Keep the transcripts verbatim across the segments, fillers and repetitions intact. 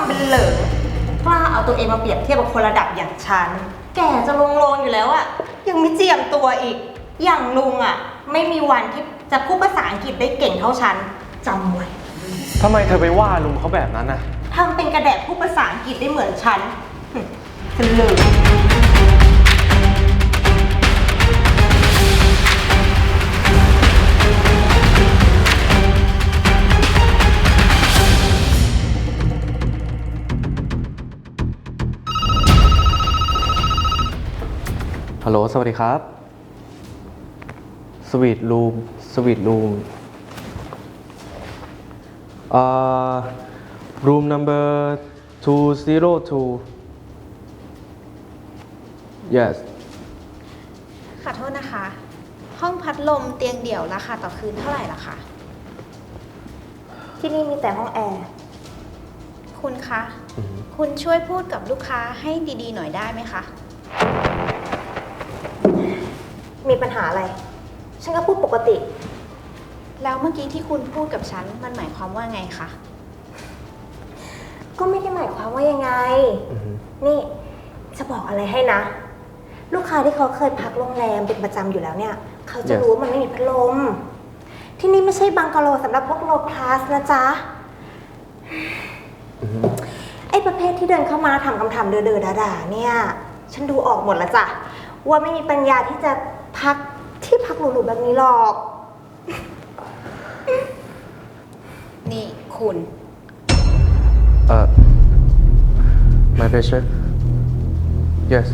ำเป็นเหลิงกล้าเอาตัวเองมาเปรียบเทียบกับคนระดับอย่างฉันแก่จะลงโลงอยู่แล้วอะยังไม่เจียมตัวอีกอย่างลุงอะไม่มีวันที่จะพูดภาษาอังกฤษได้เก่งเท่าฉันจำไว้ทำไมเธอไปว่าลุงเขาแบบนั้นน่ะทำเป็นกระแดะพูดภาษาอังกฤษได้เหมือนฉันเป็นเหลิงฮัลโหลสวัสดีครับสวีทรูมสวีทรูมเอ่อ room number two zero two yes ขอโทษนะคะห้องพัดลมเตียงเดี่ยวราคาต่อคืนเท่าไหร่ล่ะคะที่นี่มีแต่ห้องแอร์คุณคะ mm-hmm. คุณช่วยพูดกับลูกค้าให้ดีๆหน่อยได้ไหมคะมีปัญหาอะไรฉันก็พูดปกติแล้วเมื่อกี้ที่คุณพูดกับฉันมันหมายความว่าไงคะก็ไม่ได้หมายความว่ายังไง mm-hmm. นี่จะบอกอะไรให้นะลูกค้าที่เขาเคยพักโรงแรมเป็นประจำอยู่แล้วเนี่ยเขาจะ yes. รู้ว่ามันไม่มีพัดลมที่นี่ไม่ใช่บังกะโลสำหรับพวกโลคลาสนะจ๊ะ mm-hmm. ไอ้ประเภทที่เดินเข้ามาทำคำถามเดือๆด่าๆเนี่ยฉันดูออกหมดแล้วจ้ะว่าไม่มีปัญญาที่จะพักที่พักหรูๆแบบนี้หรอกนี่คุณเอ่อ my pleasure yes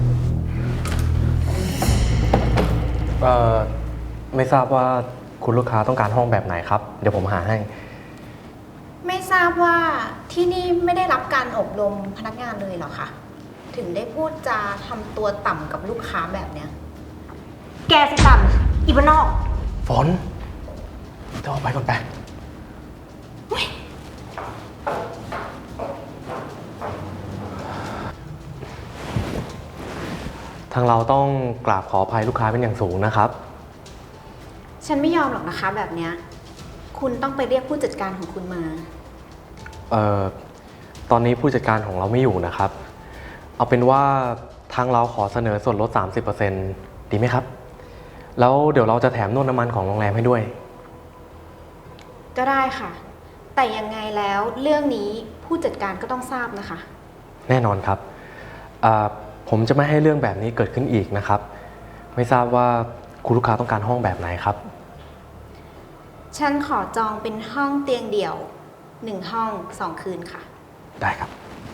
เอ่อไม่ทราบว่าคุณลูกค้าต้องการห้องแบบไหนครับเดี๋ยวผมหาให้ไม่ทราบว่าที่นี่ไม่ได้รับการอบรมพนักงานเลยเหรอคะถึงได้พูดจาทำตัวต่ำกับลูกค้าแบบเนี้ยแกสิต่ำอีบ้านนอกฝนเธอออกไปก่อนไปทางเราต้องกราบขออภัยลูกค้าเป็นอย่างสูงนะครับฉันไม่ยอมหรอกนะคะแบบเนี้ยคุณต้องไปเรียกผู้จัดการของคุณมาเอ่อตอนนี้ผู้จัดการของเราไม่อยู่นะครับเอาเป็นว่าทางเราขอเสนอส่วนลด สามสิบเปอร์เซ็นต์ ดีไหมครับแล้วเดี๋ยวเราจะแถมนวดน้ำมันของโรงแรมให้ด้วยก็ได้ค่ะแต่ยังไงแล้วเรื่องนี้ผู้จัดการก็ต้องทราบนะคะแน่นอนครับผมจะไม่ให้เรื่องแบบนี้เกิดขึ้นอีกนะครับไม่ทราบว่าคุณลูกค้าต้องการห้องแบบไหนครับฉันขอจองเป็นห้องเตียงเดี่ยวหนึ่งห้องสองคืนค่ะได้ครับ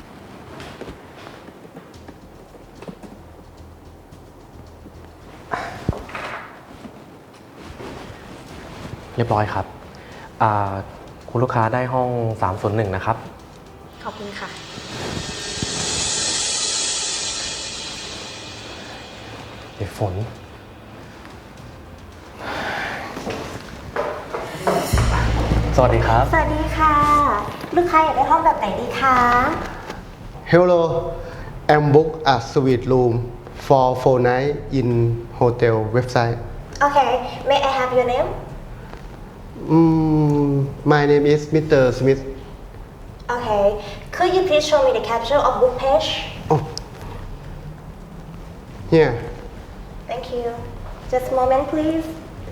เรียบร้อยครับคุณลูกค้าได้ห้องสามศูนย์หนึ่งนะครับขอบคุณค่ะเดี๋ยวฝนสวัสดีครับสวัสดีค่ะลูกค้าอยากได้ห้องแบบไหนดีคะ Hello I'm book a suite room for four night in hotel website Okay may I have your name Mm, my name is Mister Smith. Okay. Could you please show me the caption of book page? Oh. Here. Thank you. Just a moment, please.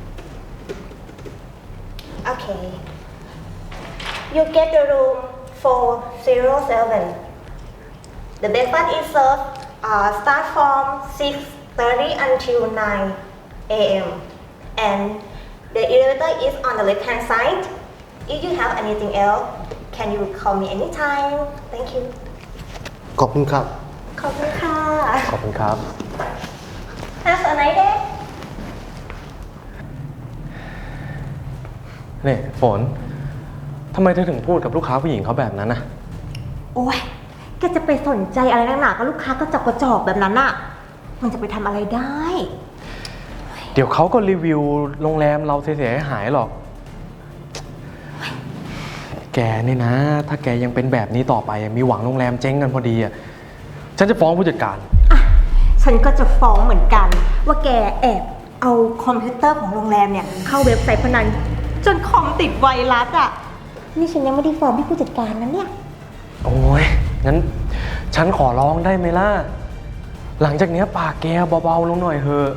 Okay. You get the room four zero seven. The breakfast is served uh, start from six thirty until nine a m and the elevator is on the left hand side. If you have anything else, can you call me anytime? Thank you. ขอบคุณครับขอบคุณค่ะขอบคุณครับ Have a nice day. นี่ฝนทำไมเธอถึงพูดกับลูกค้าผู้หญิงเขาแบบนั้นน่ะโอ๊ยแกจะไปสนใจอะไรนักหนากับลูกค้าก็จอกกระจอกแบบนั้นน่ะมันจะไปทำอะไรได้เดี๋ยวเขาก็รีวิวโรงแรมเราเสียหายหรอกแกนี่นะถ้าแกยังเป็นแบบนี้ต่อไปมีหวังโรงแรมเจ๊งกันพอดีอ่ะฉันจะฟ้องผู้จัดการอ่ะฉันก็จะฟ้องเหมือนกันว่าแกแอบเอาคอมพิวเตอร์ของโรงแรมเนี่ยเข้าเว็บไซต์พนันจนคอมติดไวรัสอ่ะนี่ฉันยังไม่ได้ฟ้องพี่ผู้จัดการนะเนี่ยโอ้ยงั้นฉันขอร้องได้ไหมล่ะ หลังจากเนี้ยปากแกเบาๆลงหน่อยเถอะ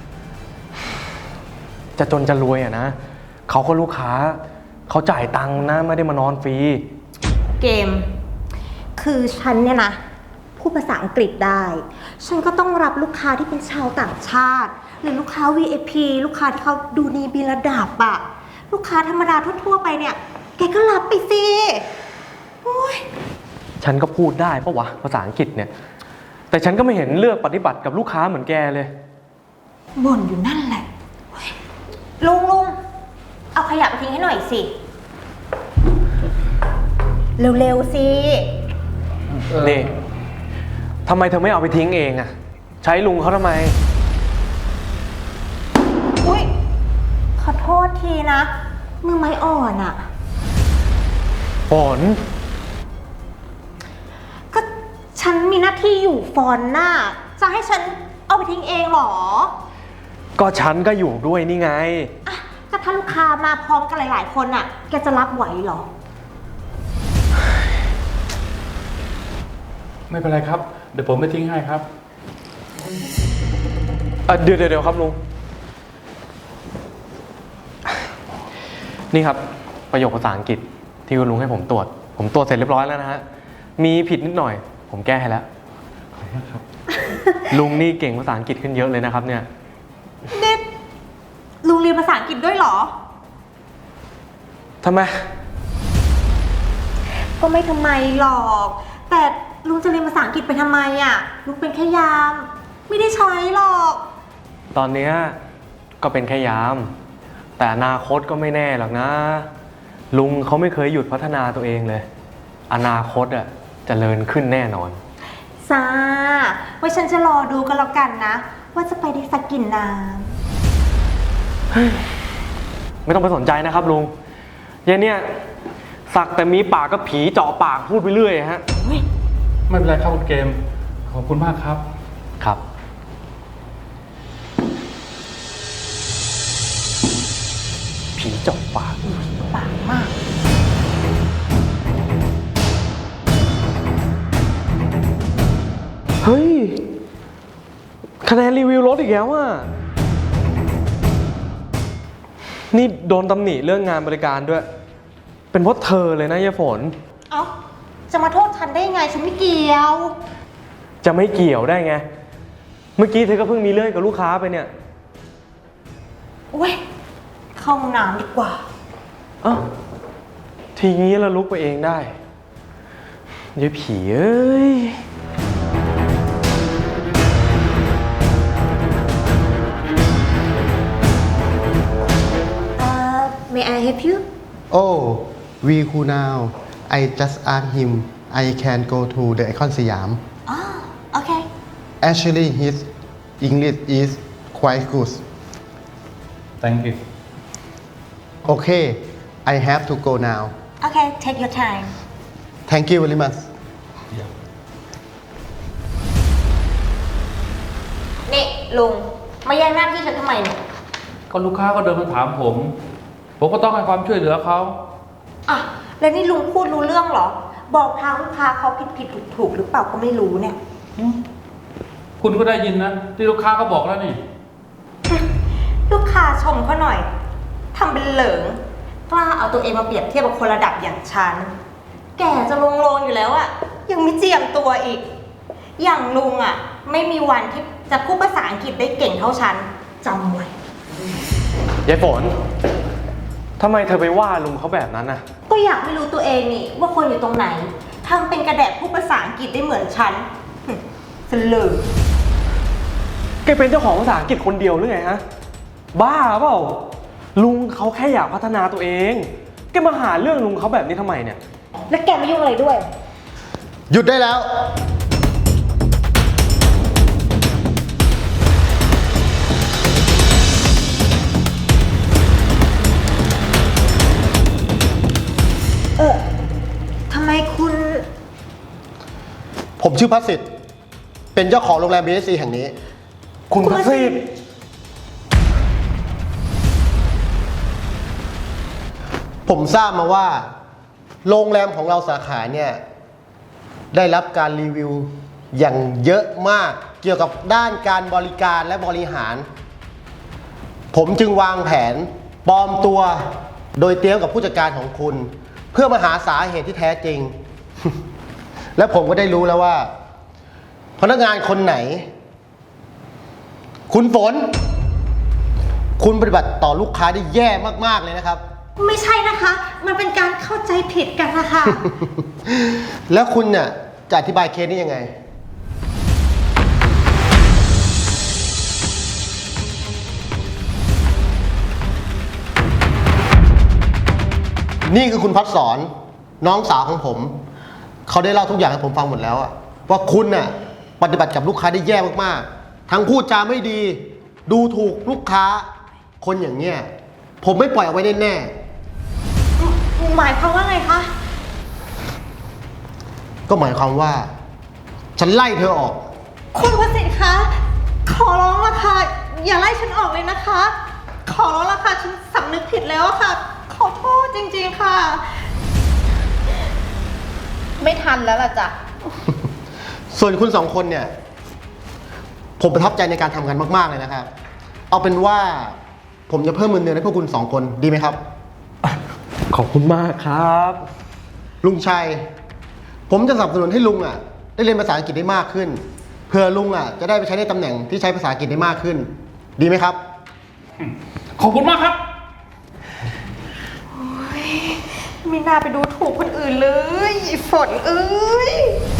จะจนจะรวยอะนะ เขาก็ลูกค้า เขาจ่ายตังค์นะไม่ได้มานอนฟรีเกม คือฉันเนี่ยนะพูดภาษาอังกฤษได้ ฉันก็ต้องรับลูกค้าที่เป็นชาวต่างชาติ หรือลูกค้า วี ไอ พี ลูกค้าที่เขาดูดีมีระดับอะลูกค้าธรรมดาทั่วๆไปเนี่ย แกก็รับไปสิโอ้ยฉันก็พูดได้ปะวะภาษาอังกฤษเนี่ย แต่ฉันก็ไม่เห็นเลือกปฏิบัติกับลูกค้าเหมือนแกเลยบ่นอยู่นั่นแหละโอ๊ยลุงลุงเอาขยะไปทิ้งให้หน่อยสิ เร็วๆสินี่ทำไมเธอไม่เอาไปทิ้งเองอะใช้ลุงเขาทำไมอุ้ยขอโทษทีนะ มือไม้อ่อนอะฝนก็ฉันมีหน้าที่อยู่ฟอนหน้า จะให้ฉันเอาไปทิ้งเองเหรอก็ฉันก็อยู่ด้วยนี่ไงอ่ะก็ถ้าลูกค้ามาพร้อมกันหลายๆคนอะแกจะรับไหวเหรอไม่เป็นไรครับ เดี๋ยวผมไปทิ้งให้ครับเอ่อเดี๋ยวเดี๋ยวครับลุง นี่ครับประโยคภาษาอังกฤษที่คุณลุงให้ผมตรวจ ผมตรวจเสร็จเรียบร้อยแล้วนะฮะ มีผิดนิดหน่อย ผมแก้ให้แล้ว ลุงนี่เก่งภาษาอังกฤษขึ้นเยอะเลยนะครับเนี่ยนี่ลุงเรียนภาษาอังกฤษด้วยเหรอทำไมก็ไม่ทำไมหรอก แต่ลุงจะเรียนภาษาอังกฤษไปทำไมอะลุงเป็นแค่ยาม ไม่ได้ใช้หรอกตอนเนี้ยก็เป็นแค่ยาม แต่อนาคตก็ไม่แน่หรอกนะ ลุงเขาไม่เคยหยุดพัฒนาตัวเองเลย อนาคตอ่ะเจริญขึ้นแน่นอนซาไว้ฉันจะรอดูกันแล้วกันนะ ว่าจะไปได้สักกี่น้ไม่ต้องไปสนใจนะครับลุงยายเนี่ยสักแต่มีปากก็ผีเจาะปากพูดไปเรื่อยฮะำเฮ้ยไม่เป็นไรครับคุณเกม ขอบคุณมากครับครับ ผีเจาะปากปากมากเฮ้ย คะแนนรีวิวลดอีกแล้วอ่ะ นี่โดนตำหนิเรื่องงานบริการด้วย เป็นเพราะเธอเลยนะยายฝนเอ้า จะมาโทษฉันได้ยังไง ฉันไม่เกี่ยวจะไม่เกี่ยวได้ไง เมื่อกี้เธอก็เพิ่งมีเรื่องกับลูกค้าไปเนี่ยเว้ย เข้าห้องน้ำดีกว่าเอ้าทีนี้เราลุกไปเองได้ยายผีเอ้ยเอ่อ may I help you Oh we who now I just asked him I can go to the Icon Siam อ๋อ โอเค Actually his English is quite good thank you Okay I have to go now โอเค take your time Thank you very much นี่ลุง มาแย่งหน้าที่ฉันทำไมเนี่ยก็ลูกค้าก็เดินมาถามผม ผมก็ต้องให้ความช่วยเหลือเขาอ่ะ แล้วนี่ลุงพูดรู้เรื่องเหรอ บอกทางลูกค้าเขาผิดผิดถูกถูกหรือเปล่าก็ไม่รู้เนี่ยคุณก็ได้ยินนะ ที่ลูกค้าเขาบอกแล้วนี่ลูกค้าชมเขาหน่อย ทำเป็นเหลิง กล้าเอาตัวเองมาเปรียบเทียบกับคนระดับอย่างฉัน แก่จะลงโลงอยู่แล้วอะยังไม่เจียมตัวอีก อย่างลุงอะไม่มีวันที่จะพูดภาษาอังกฤษได้เก่งเท่าฉันจำไว้ยายฝน ทำไมเธอไปว่าลุงเขาแบบนั้นน่ะก็อยากไม่รู้ตัวเองนี่ว่าคนอยู่ตรงไหนทำเป็นกระแดะพูดภาษาอังกฤษได้เหมือนฉันหึสลือแกเป็นเจ้าของภาษาอังกฤษคนเดียวหรือไงฮะ บ้าเปล่า ลุงเขาแค่อยากพัฒนาตัวเอง แกมาหาเรื่องลุงเขาแบบนี้ทำไมเนี่ยแล้วแกไม่ยุ่งอะไรด้วยหยุดได้แล้วเออทำไมคุณผมชื่อพัสสิทธิ์เป็นเจ้าของโรงแรม บี เอส ซี แห่งนี้คุณพัสสิทธิ์ผมทราบมาว่า โรงแรมของเราสาขาเนี่ยได้รับการรีวิวอย่างเยอะมากเกี่ยวกับด้านการบริการและบริหาร ผมจึงวางแผนปลอมตัวโดยเตรียมกับผู้จัดการของคุณ เพื่อมาหาสาเหตุที่แท้จริง และผมก็ได้รู้แล้วว่า พนักงานคนไหน คุณฝน คุณปฏิบัติต่อลูกค้าได้แย่มากๆเลยนะครับไม่ใช่นะคะ มันเป็นการเข้าใจผิดกันนะคะแล้วคุณเนี่ยจะอธิบายเคสนี้ยังไง นี่คือคุณพัดสอนน้องสาวของผม เขาได้เล่าทุกอย่างให้ผมฟังหมดแล้วอะว่าคุณน่ะปฏิบัติกับลูกค้าได้แย่มากๆ ทั้งพูดจาไม่ดี ดูถูกลูกค้า คนอย่างเนี้ยผมไม่ปล่อยเอาไว้แน่ๆหมายความว่าไงคะก็หมายความว่า ฉันไล่เธอออกคุณประสิทธิ์คะ ขอร้องละค่ะ อย่าไล่ฉันออกเลยนะคะ ขอร้องละค่ะ ฉันสำนึกผิดแล้วอะค่ะ ขอโทษจริงๆค่ะไม่ทันแล้วล่ะจ้ะส่วนคุณสองคนเนี่ย ผมประทับใจในการทำงานมากๆเลยนะครับ เอาเป็นว่าผมจะเพิ่มเงินเดือนให้พวกคุณสองคนดีไหมครับขอบคุณมากครับลุงชัย ผมจะสนับสนุนให้ลุงอ่ะ ได้เรียนภาษาอังกฤษได้มากขึ้น เพื่อลุงอ่ะจะได้ไปใช้ในตำแหน่งที่ใช้ภาษาอังกฤษได้มากขึ้น ดีไหมครับขอบคุณมากครับไม่น่าไปดูถูกคนอื่นเลยฝนเอ้ย